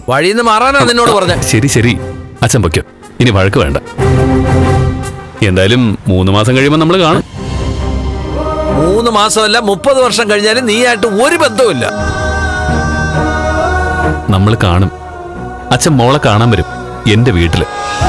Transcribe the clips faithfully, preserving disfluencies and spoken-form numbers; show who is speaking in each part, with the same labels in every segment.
Speaker 1: വഴിന്ന് മാറാനാ നിന്നോട് പറഞ്ഞ.
Speaker 2: ശരി ശരി അച്ഛൻ പൊയ്ക്കോ, ഇനി വഴക്ക് വേണ്ട. എന്തായാലും മൂന്ന് മാസം കഴിയുമ്പോൾ നമ്മൾ കാണും.
Speaker 1: മൂന്ന് മാസമല്ല മുപ്പത് വർഷം കഴിഞ്ഞാലും നീയായിട്ട് ഒരു ബന്ധവുമില്ല.
Speaker 2: നമ്മൾ കാണും. അച്ഛൻ മോളെ കാണാൻ വരും എന്റെ വീട്ടില്.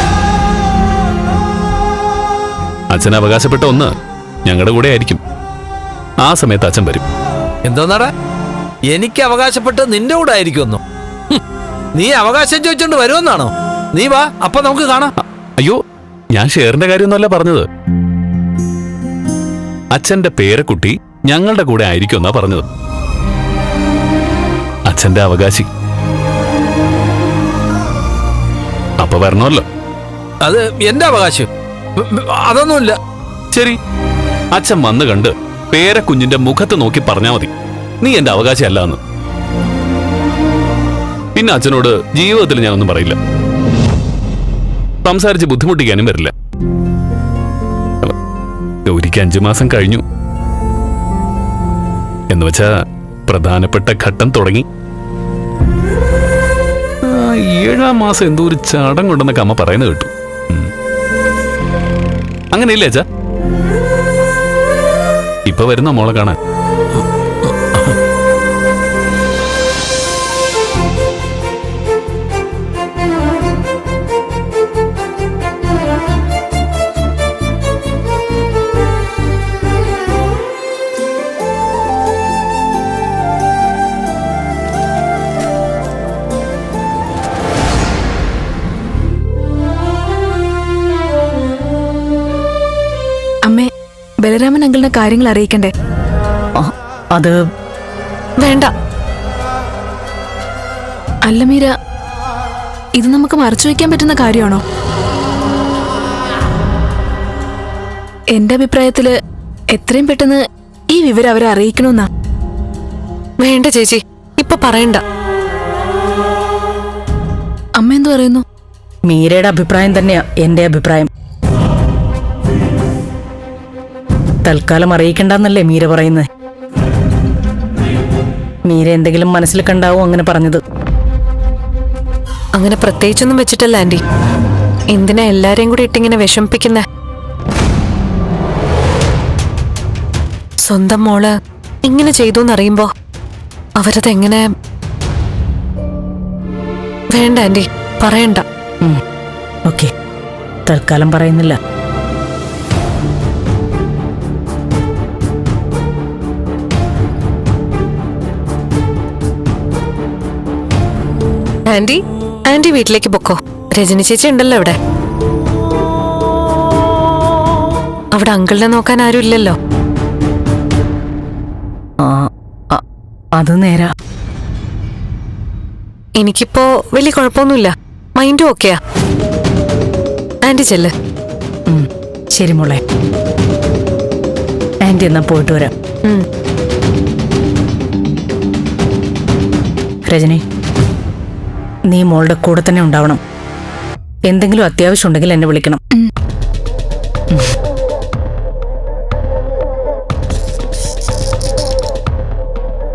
Speaker 2: അച്ഛൻ അവകാശപ്പെട്ട ഒന്ന് ഞങ്ങളുടെ കൂടെ ആയിരിക്കും. ആ സമയത്ത് അച്ഛൻ വരും.
Speaker 1: എന്തോന്നാടാ എനിക്ക് അവകാശപ്പെട്ട് നിന്റെ കൂടെ ആയിരിക്കുമെന്നോ? നീ അവകാശം ചോദിച്ചോണ്ട് വരുമെന്നാണോ? നീ വാ, അപ്പൊ നമുക്ക് കാണാം.
Speaker 2: അയ്യോ, ഞാൻ ഷെയറിന്റെ കാര്യമൊന്നുമല്ല പറഞ്ഞത്. അച്ഛന്റെ പേരക്കുട്ടി ഞങ്ങളുടെ കൂടെ ആയിരിക്കും എന്നാ പറഞ്ഞത്. അച്ഛന്റെ അവകാശി. അപ്പൊ വരണമല്ലോ.
Speaker 1: അത് എന്റെ അവകാശം അതൊന്നുമില്ല.
Speaker 2: ശരി, അച്ഛൻ വന്ന് കണ്ട് പേരക്കുഞ്ഞിന്റെ മുഖത്ത് നോക്കി പറഞ്ഞാ മതി നീ എന്റെ അവകാശി അല്ല എന്ന്. പിന്നെ അച്ഛനോട് ജീവിതത്തിൽ ഞാനൊന്നും പറയില്ല, സംസാരിച്ച് ബുദ്ധിമുട്ടിക്കാനും വരില്ല. ഗൗരിക്ക് അഞ്ചു മാസം കഴിഞ്ഞു എന്ന് വെച്ചാ പ്രധാനപ്പെട്ട ഘട്ടം തുടങ്ങി. ഏഴാം മാസം എന്തോ ഒരു ചടങ്ങുണ്ടെന്നൊക്കെ അമ്മ പറയുന്നത് കേട്ടു. അങ്ങനെയില്ലേ അച്ഛാ? ഇപ്പൊ വരുന്ന മോളെ കാണാൻ.
Speaker 3: അമ്മേ, ബലരാമൻ അങ്കിളിനെ കാര്യങ്ങൾ അറിയിക്കണ്ടേ?
Speaker 4: അത്
Speaker 3: വേണ്ട. അല്ല മീര, ഇത് നമുക്ക് മറച്ചു വയ്ക്കാൻ പറ്റുന്ന കാര്യമാണോ? എന്റെ അഭിപ്രായത്തില് എത്രയും പെട്ടെന്ന് ഈ വിവരം അവരെ അറിയിക്കണമെന്നാ.
Speaker 5: വേണ്ട ചേച്ചി, ഇപ്പൊ പറയണ്ട.
Speaker 3: അമ്മ എന്തു പറയുന്നു?
Speaker 4: മീരയുടെ അഭിപ്രായം തന്നെയാ എന്റെ അഭിപ്രായം. തൽക്കാലം അറിയിക്കണ്ടെന്നല്ലേ മീര പറയുന്നത്. മീര എന്തെങ്കിലും മനസ്സിൽ കണ്ടാവും അങ്ങനെ പറഞ്ഞത്.
Speaker 5: അങ്ങനെ പ്രത്യേകിച്ചൊന്നും വെച്ചിട്ടല്ല ആന്റി. എന്തിനാ എല്ലാരെയും കൂടി ഇട്ടിങ്ങനെ വിഷമിപ്പിക്കുന്നേ? സ്വന്തം മോള് ഇങ്ങനെ ചെയ്തോന്നറിയുമ്പോ അവരതെങ്ങനെ? വേണ്ട ആന്റി, പറയണ്ട.
Speaker 4: ഓക്കെ, തൽക്കാലം പറയുന്നില്ല.
Speaker 5: ആന്റി ആന്റി വീട്ടിലേക്ക് പൊക്കോ. രജനി ചേച്ചി ഉണ്ടല്ലോ ഇവിടെ. അവിടെ അങ്കിളിനെ നോക്കാൻ ആരും ഇല്ലല്ലോ.
Speaker 4: അത് നേരാ.
Speaker 5: എനിക്കിപ്പോ വലിയ കുഴപ്പമൊന്നുമില്ല, മൈൻഡും ഓക്കെയാ. ആന്റി ചെല്ല്.
Speaker 4: ശരി മോളെ, ആന്റി എന്നാ പോയിട്ട് വരാം. രജനി, നീ മോളുടെ കൂടെ തന്നെ ഉണ്ടാവണം. എന്തെങ്കിലും അത്യാവശ്യം ഉണ്ടെങ്കിൽ എന്നെ വിളിക്കണം.